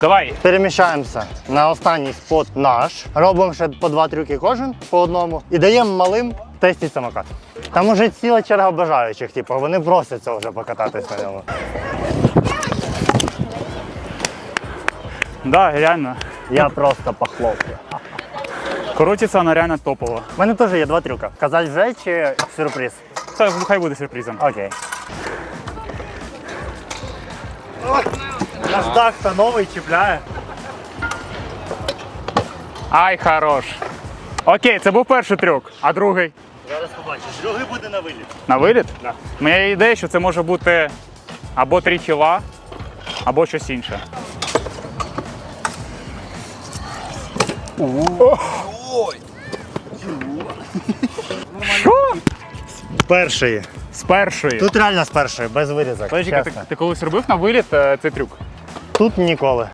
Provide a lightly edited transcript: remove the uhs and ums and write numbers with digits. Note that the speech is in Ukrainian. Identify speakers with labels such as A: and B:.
A: Давай.
B: Переміщаємося на останній спот наш. Робимо ще по 2 трюки кожен по одному. І даємо малим тестити самокат. Там уже ціла черга бажаючих, типу, вони просяться вже покататись на ньому.
A: Да, реально.
B: Я просто похлопаю.
A: Крутиться вона реально топово.
B: У мене теж є 2 трюка. Казати вже чи сюрприз?
A: Це хай буде сюрпризом.
B: Окей. Наш дах-то новий чіпляє.
A: Ай, хорош. Окей, це був перший трюк, а другий?
B: Зараз побачиш. Другий буде на виліт.
A: На виліт?
B: Да.
A: У мене є ідея, що це може бути або 3 кіла, або щось інше. Що?
B: Перший.
A: З першої.
B: Тут реально з першої, без вирізок.
A: Подожди,
B: чесно.
A: ти колись робив на виліт цей трюк?
B: Тут ніколи.